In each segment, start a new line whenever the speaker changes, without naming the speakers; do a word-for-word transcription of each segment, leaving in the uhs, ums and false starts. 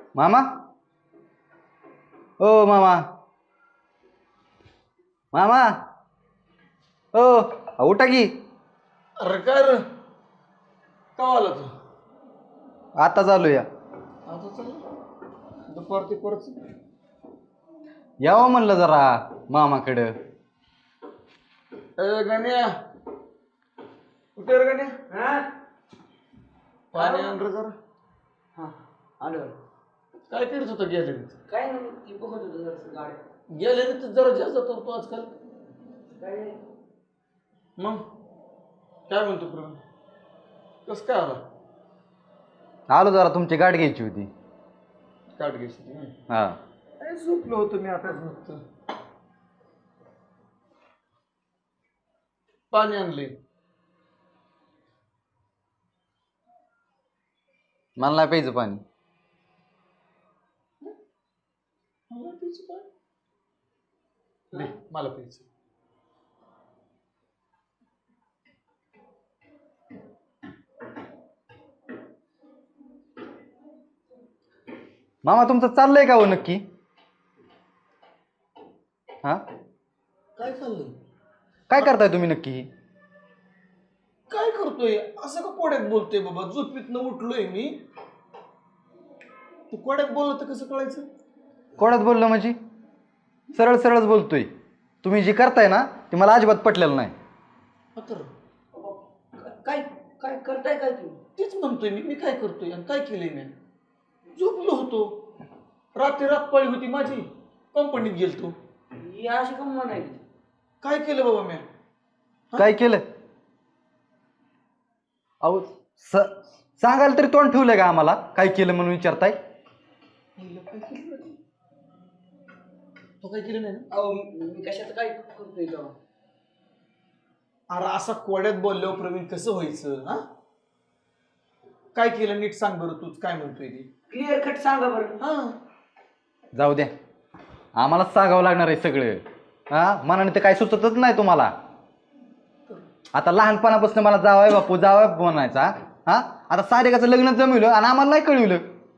मामा ओ मामा मामा ओ अहो, उठा की.
अरे काय रे का आला तू
आता चालू या
आता चल दुपार ते परत
यावं म्हणलं जरा मामाकडं.
ए गण्या कुठे रे गण्या पाणी आण रे जरा.
हा आलं
काय करत होता गॅलरीत
काय नाही ती बघत होतं जरासं गाड्या
गॅलरीत जरा जास्त करतो आजकाल.
काय नाही.
मग काय म्हणतो प्रवीण कस काय आला
आलो जरा तुमची गाठ घ्यायची होती.
काट घ्यायची
हा
काय झोपलो होतो मी आताच नुकतं. पाणी आणले
मला नाही प्यायचं पाणी.
मला प्यायचं पाणी दे मला प्यायचं.
मामा तुमचं चाललंय का हो नक्की? हा
काय चाललंय
काय करताय तुम्ही नक्की?
काय करतोय असं का कोड्यात बोलतोय बाबा? झोपीतनं उठलोय मी. तू कोड्यात बोलला तर कसं कळायचं?
कोणाच बोललं म्हणजे? सरळ सरळच बोलतोय. तुम्ही जे करताय ना ते मला अजिबात पटलेलं नाही.
तर
काय काय करताय काय तू?
तेच म्हणतोय मी मी काय करतोय आणि काय केलंय मी? झोपलो होतो. रात्री रात पाळी होती माझी. कंपनीत गेलतो.
ही अशी कम म्हणायची.
काय केलं बाबा मी?
काय केलं? अहो स सांगायला तरी तोंड ठेवलंय का आम्हाला? काय केलं म्हणून विचारताय?
काय केलं तो काय केलं नाही ना?
अहो मी कशात काय करतोय तेव्हा?
अरे असा कोड्यात बोलल्यावर प्रवीण कसं व्हायचं? हा काय केलं नीट सांग बरं. तूच काय म्हणतोय ते
क्लिअर कट सांगा बरं.
हा
जाऊ द्या, आम्हालाच सांगावं लागणार आहे सगळं. हा मनाने तर काय सुचतच नाही तुम्हाला. आता लहानपणापासून मला जावाय बापू जावाय बापू म्हणायचा. हा आता सारेकाचं लग्न जमवलं आणि आम्हाला नाही कळवलं.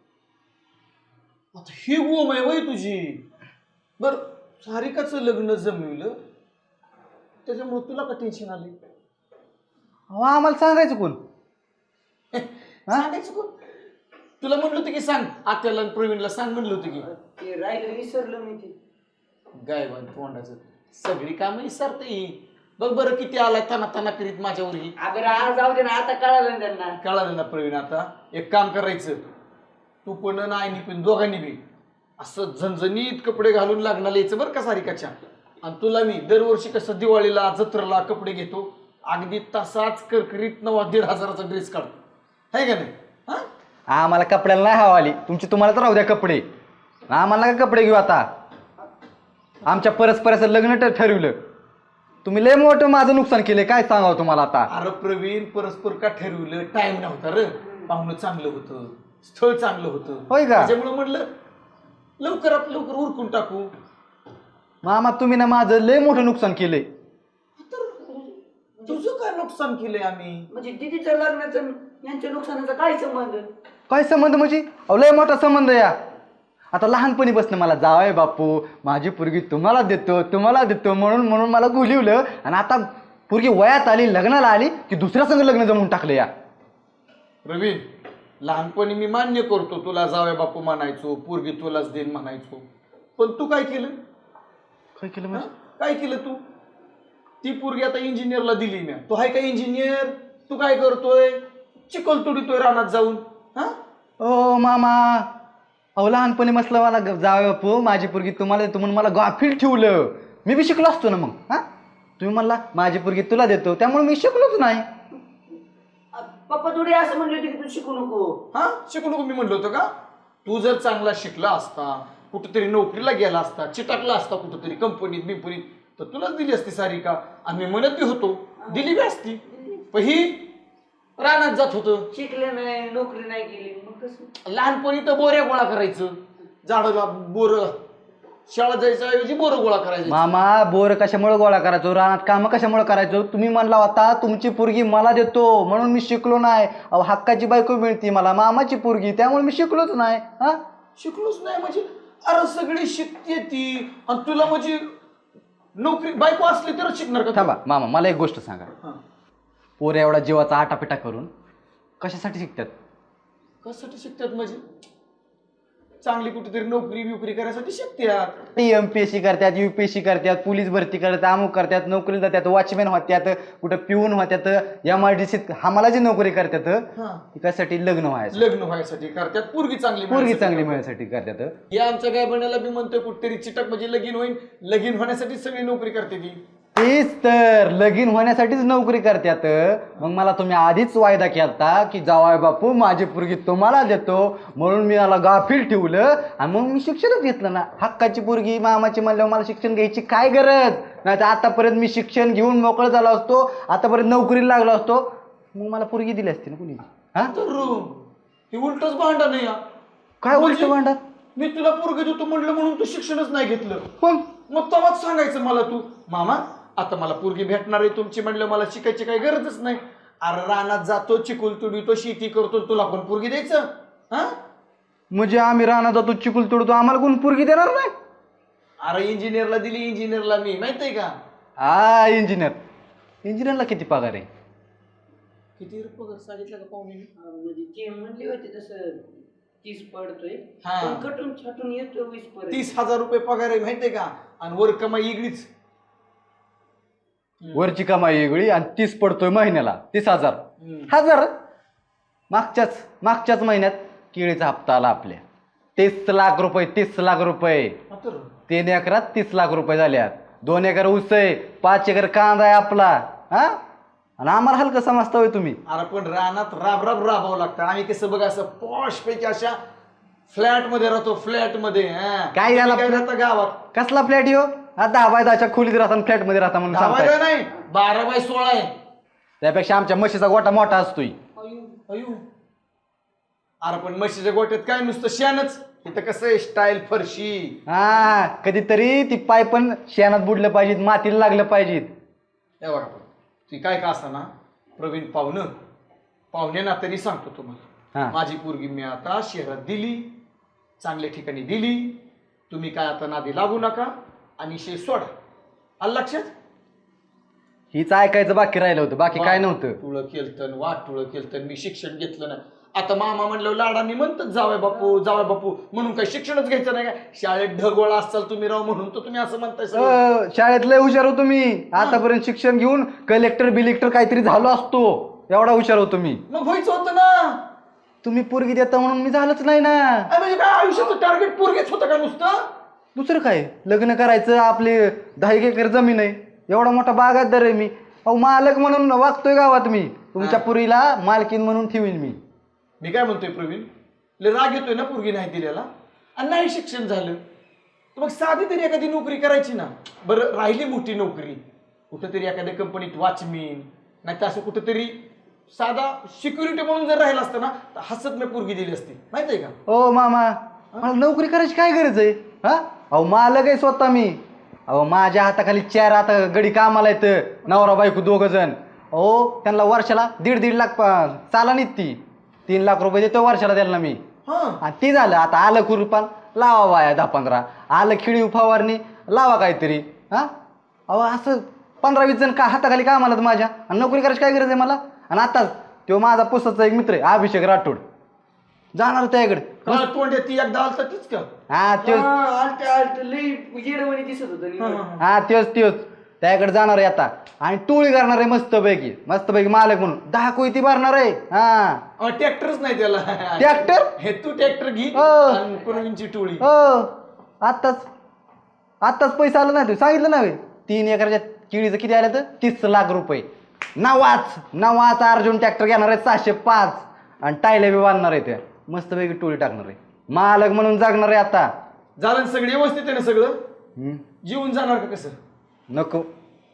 आता ही गोम आहे वय तुझी. बर सारिकाचं लग्न जमवलं त्याच्यामुळे तुला का टेन्शन आले?
अहो आम्हाला सांगायचं कोण?
सांगायचं कोण? तुला म्हणलं होतं की सांग आत्याला आणि प्रवीणला सांग म्हणलं होतं की.
ते राहिलं विसरलं मी ते.
गायवान तोंडाचं सगळी कामं विसरते. बघ बरं किती आलाय तना तना करीत माझ्यावरही.
अगं आज जाऊ दे ना, आता कळालं ना त्यांना.
कळालं ना प्रवीण? आता एक काम करायचं, तू पण नाही पण दोघांनी बी असं झणझणीत कपडे घालून लागणार यायचं बरं का सारिकाच्या. आणि तुला मी दरवर्षी कसं दिवाळीला जत्रेला कपडे घेतो अगदी तसाच करकरीत नवा दीड हजाराचा ड्रेस काढतो आहे का नाही? हा
आम्हाला कपड्याला नाही हवा आली तुमची. तुम्हाला तर राहू द्या कपडे. आम्हाला का कपडे घेऊ आता? आमच्या परस्पराचं लग्न तर ठरवलं. तुम्ही लय मोठं माझं नुकसान केले. काय सांगावं तुम्हाला आता?
अरे प्रवीण परस्पर का ठरवलं? टाइम नव्हता रे. पाहुणं चांगलं होतं, स्थळ चांगलं होतं.
होय का?
त्याच्यामुळे म्हणलं लवकरात लवकर उरकून टाकू.
मामा तुम्ही ना माझं लय मोठं नुकसान केलंय.
तुझं काय नुकसान केलंय आम्ही?
म्हणजे दिदीचं लग्नाचं यांच्या नुकसानाचा काय संबंध?
काय संबंध म्हणजे? अहो लय मोठा संबंध या. आता लहानपणी बसणं मला जावय बापू माझी पोरगी तुम्हाला देतो तुम्हाला देतो म्हणून म्हणून मला गुलिवलं. आणि आता पोरगी वयात आली लग्नाला आली की दुसऱ्या संग लग्न जमवून टाकलं या.
प्रवीण लहानपणी मी मान्य करतो तुला जावया बापू म्हणायचो, पोरगी तुलाच देईन म्हणायचो. पण तू काय केलं?
काय केलं
हा? काय केलं तू? ती पोरगी आता इंजिनियरला दिली मी. तू आहे का इंजिनियर? तू काय करतोय? चिखल तुडीतोय रानात जाऊन. हा
ओ मामा अहो लहानपणी मसलं मला जावय बापू माझी पोरगी तुम्हाला देतो म्हणून मला गाफील ठेवलं. मी बी शिकलो असतो ना मग. हा तुम्ही म्हणला माझी पोरगी तुला देतो त्यामुळे मी शिकलोच नाही.
पप्पा थोडी असं म्हणले होते की तू शिकू नको.
हा शिकू नको मी म्हणलो होतो का? तू जर चांगला शिकला असता, कुठेतरी नोकरीला गेला असता, चिटाकला असता कुठेतरी कंपनीत बिंपनीत तर तुलाच दिली असती सारिका. आम्ही म्हणत बी होतो दिली बी असती. पण ही रानात जात होतं,
शिकले नाही, नोकरी नाही केली, मग कसं?
लहानपणी तर बोऱ्या गोळा करायचं. झाडाला बोर शाळा जायच्या ऐवजी बोर गोळा करायचं.
मामा बोर कशामुळे गोळा करायचो? रानात काम कशामुळे करायचो? तुम्ही म्हणला होता तुमची पोरगी मला देतो म्हणून मी शिकलो नाही. अहो हक्काची बायको मिळती मला मामाची पोरगी त्यामुळे मी शिकलोच नाही. हा
शिकलोच नाही म्हणजे अरे सगळी शिकते ती आणि तुला म्हणजे नोकरी बायको असली तरच शिकणार का तू?
थांबा मामा, मला एक गोष्ट सांगा.
हा.
पोर एवढा जीवाचा आटापिटा करून कशासाठी शिकतात?
कशासाठी शिकतात म्हणजे चांगली कुठेतरी नोकरी बिकरी करायसाठी शिकतात.
एम पी एस सी करतात, यू पी एस सी करतात, पोलीस भरती करतात, अमुक करतात, नोकरीला जातात, वॉचमॅन होत्यात, कुठं पिऊन होत्यात, एम आय डी सीत आम्हाला जी नोकरी करतात
हा.
ती कशासाठी? लग्न व्हायचं,
लग्न व्हायसाठी करतात, पोरगी चांगली
पोरगी
मिळायसाठी
चांगली
करतात.
मिळण्यासाठी करतात.
या आमच्या काय बनायला बी म्हणतोय कुठेतरी चिटक म्हणजे लगीन होईल, लगीन होण्यासाठी सगळी नोकरी करते ती.
तेच तर, लगीन होण्यासाठीच नोकरी करतात. मग मला तुम्ही आधीच वायदा केलता की जावाय बापू माझी पोरगी तुम्हाला देतो, म्हणून मी मला गाफील ठेवलं आणि मग मी शिक्षणच घेतलं ना. हक्काची पोरगी मामाची म्हणल्यावर मला शिक्षण घ्यायची काय गरज नाही. तर आतापर्यंत मी शिक्षण घेऊन मोकळं झालो असतो, आतापर्यंत नोकरीला लागलो असतो, मग मला पोरगी दिली असती ना कुणी. हा
तर हे उलटच भांडण नाही या.
काय उलट
म्हणजे
भांडा?
मी तुला पोरगी देतो म्हणलं म्हणून तू शिक्षणच नाही घेतलं.
पण
मग तेव्हाच सांगायचं मला तू, मामा आता मला पोरगी भेटणार आहे तुमची म्हणलं, मला शिकायची काही गरजच नाही. अरे रानात जातो, चिकुल तुडवितो, शेती करतो, तुला कोण पोरगी द्यायचं? हा
म्हणजे आम्ही राहणार जातो, चिकुल तोडतो, आम्हाला कोण पोरगी देणार नाही?
अरे इंजिनियरला दिली, इंजिनियरला मी माहित आहे का?
हा इंजिनियर, इंजिनियरला किती पगार आहे?
किती पगार सांगितलं का पाहुणे?
म्हणजे ते म्हणले होते तसं तीस पडतोय,
हा.
पण कटून छाटून येतो वीस पर्यंत.
तीस हजार रुपये पगार आहे माहितीये का? आणि वर कमाई इगडीच.
वरची कमाई वेगळी आणि तीस पडतोय महिन्याला, तीस हजार. हजार मागच्याच मागच्याच महिन्यात केळीचा हप्ता आला आपल्या, तीस लाख रुपये. तीस लाख रुपये
तर
तीन एकरात तीस लाख रुपये झाल्यात. दोन एकर ऊस आहे, पाच एकर कांदा आहे आपला. हा आणि आम्हाला हलकं समजता होय तुम्ही?
अरे पण रानात राब राब राबावं लागतं. आम्ही कसं बघा असं पॉश पैकी अशा फ्लॅट मध्ये राहतो, फ्लॅट मध्ये. हा.
काय झालं
तुम्ही काय
आपलं?
राहता गावात?
कसला फ्लॅट येऊ? हा दहा बाय दहाच्या खोलीत राहता, फ्लॅट मध्ये राहता म्हणून
दहा बाय
सांगताय.
दहा नाही, बारा बाय सोळा आहे.
त्यापेक्षा आमच्या म्हशीचा गोटा मोठा असतोय.
अयो अयो अरे पण म्हशीच्या गोट्यात काय नुसतं शेणच. इथं कसं आहे स्टाईल फरशी.
हा कधीतरी ती पाय पण शेणात बुडलं पाहिजेत, मातीला लागलं पाहिजेत.
हे बघा ती काय का असा ना, प्रवीण पाहुणं पाहुणे ना तरी सांगतो
हा.
तुम्हाला, माझी पोरगी मी आता शहरात दिली, चांगल्या ठिकाणी दिली. तुम्ही काय आता नादी लागू नका आणि शे सोडा. आलं लक्षात?
हीच ऐकायचं बाकी राहिलं होतं, बाकी काय नव्हतं.
तुळं केलतन वाट तुळं केलतन, मी शिक्षण घेतलं नाही. आता मामा म्हणलं लाडांनी म्हणतात जावय बापू जावय बापू, म्हणून काय शिक्षणच घ्यायचं नाही का? शाळेत ढगोळा असाल तुम्ही राव, म्हणून तर तुम्ही असं म्हणताय सगळं.
अ, शाळेत लय हुशार होतो मी. आतापर्यंत शिक्षण घेऊन कलेक्टर बिलेक्टर काहीतरी झालो असतो, एवढा हुशार होतो मी.
मग व्हायचं होतं ना.
तुम्ही पोरगी देता म्हणून मी झालंच नाही ना.
अरे म्हणजे काय आयुष्याचं टार्गेट पोरगेच होतं का नुसतं?
दुसरं काय, लग्न करायचं, आपली दहा एक एकर जमीन आहे, एवढा मोठा बागायतदार आहे मी. अहो मालक म्हणून वागतोय गावात मी. तुमच्या पुरीला मालकीन म्हणून ठेवीन मी.
मी काय म्हणतोय प्रवीण, लय राग येतोय ना पोरगी नाही दिलेला, आणि नाही शिक्षण झालं तर मग साधी तरी एखादी नोकरी करायची ना. बरं राहिली मोठी नोकरी, कुठंतरी एखाद्या कंपनीत वॉचमॅन, नाही तर असं कुठंतरी साधा सिक्युरिटी म्हणून जर राहिला असतं ना, तर हसत मी पोरगी दिली असती, माहित आहे का?
ओ मामा, मला नोकरी करायची काय गरज आहे? हा अहो मालक आहे स्वतः मी. अहो माझ्या हाताखाली चार आता गडी कामाला येतं, नवरा बायको दोघ जण. अहो त्यांना वर्षाला दीड दीड लाख चाला नाहीत ती, तीन लाख रुपये देतो वर्षाला त्यांना मी.
हा
आणि ती झालं आता आलं कुरपान लावा वाया दहा पंधरा, आलं खिळी फवारणी लावा काहीतरी. हा अहो असं पंधरा वीस जण का हाताखाली कामाला माझ्या, आणि नोकरी करायची काय गरज आहे मला? आणि आता तो माझा पुस्तकचा एक मित्र आहे अभिषेक राठोड, जाणार त्याकडे.
काळ तोंड ती एकदा आलता तीच का?
हा त्योच
आलट आलट लई येडवणी दिसत होतं.
हा त्योच त्योच त्याकडे जाणार आहे आता, आणि टोळी करणार आहे मस्तपैकी मस्तपैकी मालक म्हणून. दहा कोयती भरणार आहे. हा
ट्रॅक्टरच नाही त्याला.
ट्रॅक्टर?
हे तू ट्रॅक्टर घे
हो.
आणि प्रवीणची टोळी.
हो आत्ताच आत्ताच पैसा आला नाही, तू सांगितलं ना बे. तीन एकरच्या केळीचं किती आलं तर तीस लाख रुपये. नवाच नवाच अर्जुन ट्रॅक्टर घेणार आहे सहाशे पाच, आणि टायल्या बी बांधणार आहे त्या, मस्तपैकी टोळी टाकणार आहे. मालक म्हणून जागणार आहे आता.
झालं ना सगळं व्यवस्थित आहे ना सगळं?
हम्म,
जीवन जाणार का कसं?
नको.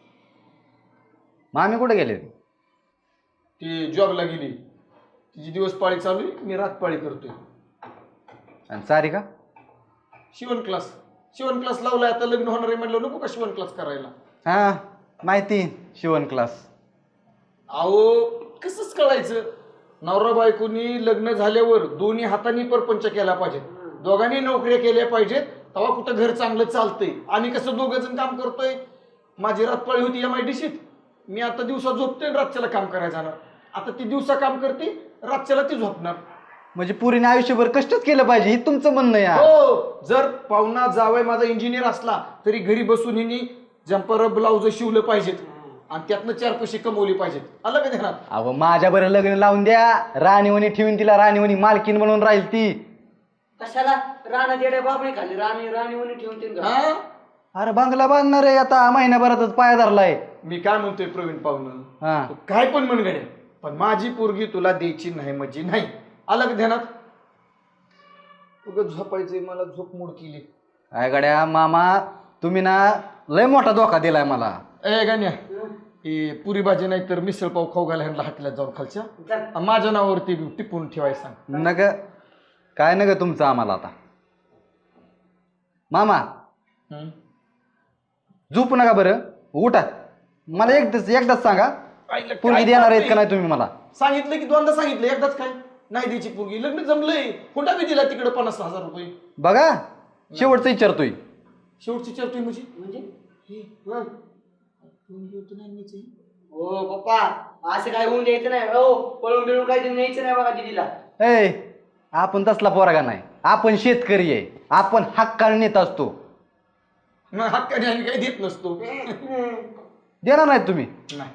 मामी कुठे गेले?
ती जॉबला गेली, तिची दिवस पाळी चालू आहे, मी रात पाळी करतोय.
आणि सारी का?
शिवण क्लास शिवण क्लास लावलाय, आता लग्न होणार आहे म्हणलं नको का शिवण क्लास करायला?
हा माहिती, शिवण क्लास.
अहो कसंच कळायचं, नवरा बायकोनी लग्न झाल्यावर दोन्ही हातांनी परपंच केला पाहिजे. दोघांनी नोकऱ्या केल्या पाहिजेत, तेव्हा कुठं घर चांगलं चालतंय. आम्ही कसं दोघं जण काम करतोय. माझी रातपाळी होती एम आय डी सीत. मी आता दिवसा झोपतोय आणि रातच्याला काम करायला जाणार. आता ती दिवसा काम करते, रातच्याला ती झोपणार.
म्हणजे पुरीने आयुष्यभर कष्टच केलं पाहिजे, हे तुमचं म्हणणं या.
हो, जर पाहुणा जावय माझा इंजिनियर असला तरी घरी बसून हिनी जम्पर ब्लाउज शिवलं पाहिजेत आणि त्यातनं चार पैसे कमवले पाहिजेत. आलं का ध्यानात?
अहो माझ्या बरं लग्न लावून द्या, राणीवणी ठेवून तिला राणीवणी मालकीन बनवून राहील ती.
कशाला राणा जेड्या बाबळी खाली राणी राणी म्हणून ठेवून तीन
हा,
अरे बंगला बांधणार आहे आता, महिन्याभरातच पाया धरलाय.
मी काय म्हणतोय प्रवीण पाहुणं,
हा
तू काय पण म्हण गड्या, पण माझी पोरगी तुला द्यायची नाही म्हणजे नाही. आलं का ध्यानात? उगाच झोपायचंय, मला झोप मोड केली.
काय गड्या मामा, तुम्ही ना लय मोठा धोका दिलाय मला.
ए गाण्या, हे पुरी भाजी नाही तर मिसळ पाव खाऊ घाला ह्यांना हाटल्यात जाऊन खालच्या. आणि माझ्या नावावरती टिपून ठेवायला सांग.
नग काय नग तुमचं आम्हाला आता. मामा
हम्म.
झोपू नका बरं, उठा. मला एकदाच एकदाच सांगा,
आईला
पोरगी
काय
देणार आहेत
करतोय?
का नाही तुम्ही मला?
सांगितलं की दोनदा सांगितलं, एकदाच काय नाही द्यायची पोरगी. लग्न जमलंय, हुंडा बी दिला तिकडे पन्नास हजार रुपये.
बघा शेवटचं विचारतोय.
शेवटची चर्चा म्हणजे
म्हणजे
हे, हा. पोरगी होती नाही न्यायची.
हो पप्पा, असं काय होऊन द्यायचं नाही. हो पळून बिळून काही न्यायचं नाही बघा दिदीला.
ए आपण तसला पोरगा नाही, आपण शेतकरी आहे, आपण हक्काने नेत असतो.
मग हक्काने आम्ही काही देत नसतो.
देणार नाहीत तुम्ही
नाही.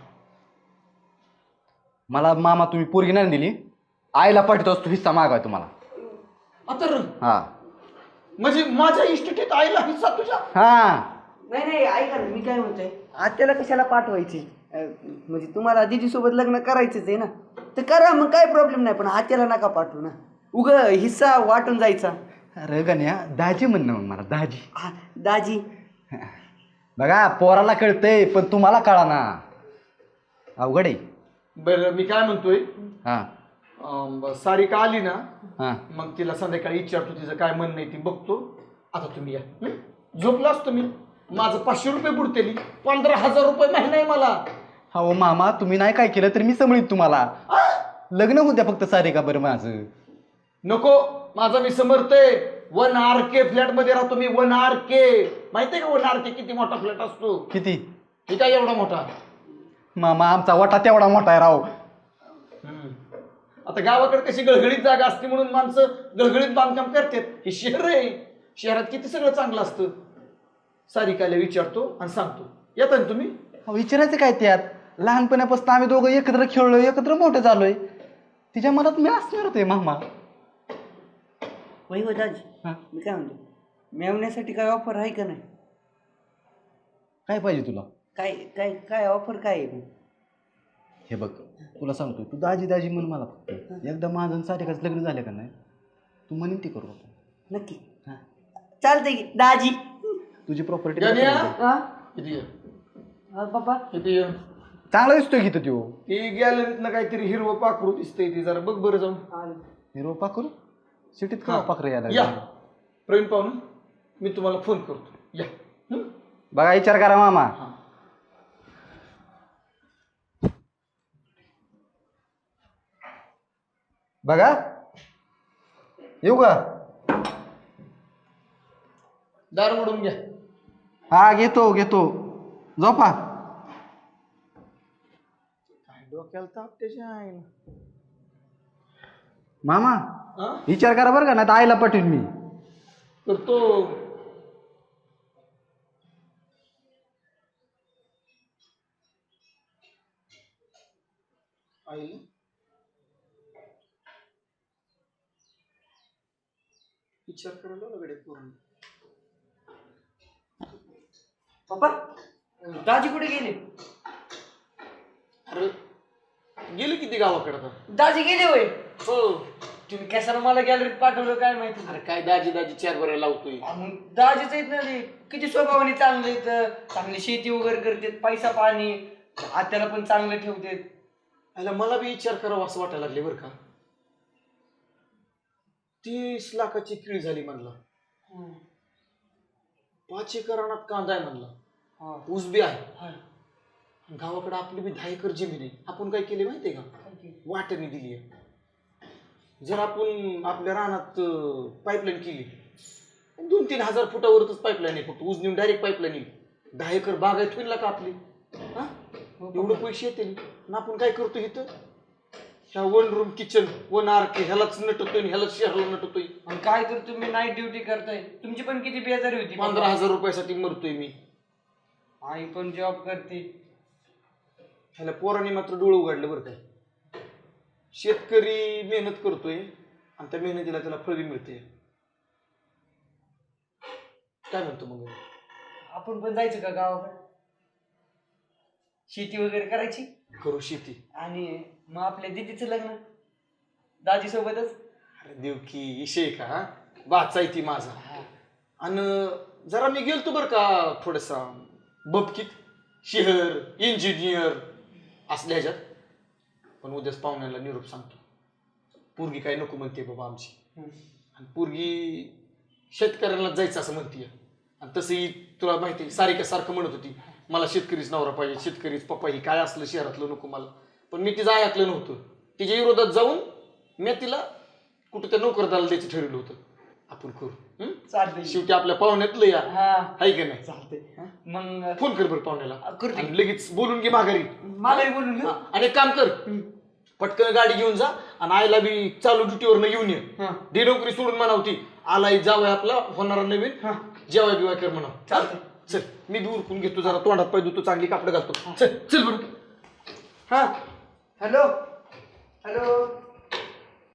मला. मामा तुम्ही पोरगी नाही दिली, आईला पाठवतो असतो हिस्सा मागाय तुम्हाला.
आता र-
हा
म्हणजे माझ्या इस्टेटीत आईला हिस्सा तुझ्या.
हा
नाही नाही ऐका ना, मी काय म्हणतोय, आत्याला कशाला पाठवायचे? अं, म्हणजे तुम्हाला दीदी सोबत लग्न करायचंच आहे ना, तर करा मग, काय प्रॉब्लेम नाही. पण आत्याला नका पाठवू ना, उग हिस्सा वाटून जायचा.
अरे गण्या, दाजी म्हणणं मग मला दाजी.
हा, दाजी
बघा पोराला कळतंय पण तुम्हाला कळा ना, अवघड आहे.
बरं मी काय म्हणतोय,
हा
अं, ब- सारिका आली ना,
हा
मग तिला संध्याकाळी विचारतो तिचं काय म्हणणं आहे ती बघतो. आता तुम्ही या. हं? झोपलो असतो मी, माझं पाचशे रुपये बुडतेली, पंधरा हजार रुपये महिना आहे मला.
हो मामा, तुम्ही नाही काय केलं तर मी समळीत तुम्हाला. लग्न होऊ द्या फक्त सारे का बरं माझं.
नको, माझा मी समर्थ आहे. वन आर के फ्लॅट मध्ये राहतो मी. वन आर के माहितीये का? वन आर के किती मोठा फ्लॅट असतो?
किती?
हे काय एवढा मोठा?
मामा आमचा वाटा तेवढा मोठा आहे राव.
हम्म. आता गावाकडे कशी गळगळीत जागा असते म्हणून माणसं गळगळीत बांधकाम करतात. हे शहर आहे, शहरात किती सगळं चांगलं असतं. सारिकाला विचारतो आणि सांगतो. येता ना तुम्ही?
अहो, विचारायचं काय त्यात? लहानपणापासून आम्ही दोघं एकत्र खेळलोय, एकत्र मोठं झालोय. तिच्या मनात मी असणार होते मामा.
वही हो दाजी,
हा.
मी काय म्हणतो, मेवण्यासाठी काय ऑफर आहे का नाही?
काय पाहिजे तुला?
काय काय काय ऑफर काय आहे?
हे बघ, तुला सांगतो, तू दाजी दाजी म्हण मला फक्त. एकदा माझं आणि सारिकाचं लग्न झालं का नाही, तू म्हणीन ती करू आपण.
नक्की
हा.
चालतंय की दाजी.
तुझी प्रॉपर्टी
गण्या?
हा
किती ये?
हा, पप्पा
किती ये?
चांगला दिसतोय की तो.
ती गॅलरीतनं काहीतरी हिरवं पाखरू दिसतंय, ती जरा बघ बरं जाऊन.
हिरो पाकरू सिटीत
हा.
का पाखरं यायला
या
लागलं?
प्रवीण पाहुणं, मी तुम्हाला फोन करतो. या. हं?
बघा विचार करा मामा.
हा.
बघा येऊ का?
दार उडून घ्या.
हा घेतो घेतो, झोपा.
काय डोक्याला ताप त्याच्या आईला.
मामा
हा?
विचार करा बरं का, नाही तर आईला पाठवीन मी.
करतो. आईला विचार करायला लागले पूर्ण.
पप्पा दाजी कुठे गेले?
अरे गेले किती गावाकडे आता?
दाजी गेले होय?
हो.
तुम्ही कशाला मला गॅलरीत पाठवलं काय माहिती?
अरे काय दाजी दाजी चार बऱ्या लावतोय.
आ, मग दाजीच आहेत ना ते, किती स्वभावाने चांगले आहेत, चांगली शेती वगैरे करतात, पैसा पाणी, आत्याला पण चांगलं ठेवतात.
आईला मला बी विचार करावा असं वाटायला लागले बरं का. तीस लाखाची किळी झाली म्हणला. पाच एकर रानात कांदा आहे म्हणला. ऊस बी आहे. गावाकडे आपली बी दहा एकर जमीन आहे. आपण काय केली माहितीये का? वाट्याने दिली आहे. जर आपण आपल्या रानात पाईपलाईन केली, दोन तीन हजार फुटावरच पाईपलाईन आहे, फक्त उजनीवर डायरेक्ट पाईपलाईन येईल. दहा एकर बागायत होईल ना का आपली? हा एवढं पैसे येतील ना. आपण काय करतो इथं, ह्या one room kitchen one R K ह्यालाच नटतोय ह्यालाच शहराला नटतोय.
आणि काय तर तुम्ही नाईट ड्युटी करताय, तुमची पण किती बेजारी होती.
पंधरा हजार रुपयासाठी मरतोय मी.
आई पण जॉब करते.
ह्याला पोराने मात्र डोळं उघडलं बरं काय. शेतकरी मेहनत करतोय आणि त्या मेहनतीला त्याला फळ बी मिळते. काय म्हणतो मग,
आपण पण जायचं का गावाकडे, शेती वगैरे करायची,
करू शेती.
आणि मग आपल्या दिदीचं लग्न दाजी सोबतच.
अरे देव की विषय का वाचाय ती माझा. आणि जरा मी गेलतो बरं का थोडसा बबकीत, शहर इंजिनियर असल्या ह्याच्यात. पण उद्याच पाहुण्याला निरोप सांगतो, पोरगी काय नको म्हणते बाबा आमची. आणि पोरगी शेतकऱ्यांना जायचं असं म्हणते. आणि तसंही तुला माहिती सारिका सारखं म्हणत होती मला शेतकरीच नवरा पाहिजे, शेतकरीच पप्पा, ही काय असलं शहरातलं नको मला. पण मी तिचं ऐकलं नव्हतं. तिच्या विरोधात जाऊन मी तिला कुठं त्या नोकरदाराला द्यायचं ठरवलं होतं. आपण करू
चालतंय.
शेवटी आपल्या पाहुण्यातलं या
हा
आहे का नाही.
चालतंय. मग
फोन कर बरं पाहुण्याला,
करते.
आणि लगेच बोलून घे माघारी.
माघारी बोलून घेऊ.
आणि एक काम कर, पटकन गाडी घेऊन जा आणि आईला बी चालू ड्युटीवर घेऊन ये. दे नोकरी सोडून म्हणावती, आलाय जावं आपला होणारा नवीन, जेवाय बिवाय कर म्हणाव.
चालतंय.
चल मी बी उरकून घेतो, जरा तोंडात पाय धुतो, चांगली कापडं घालतो. चल चल बरं.
हा हॅलो हॅलो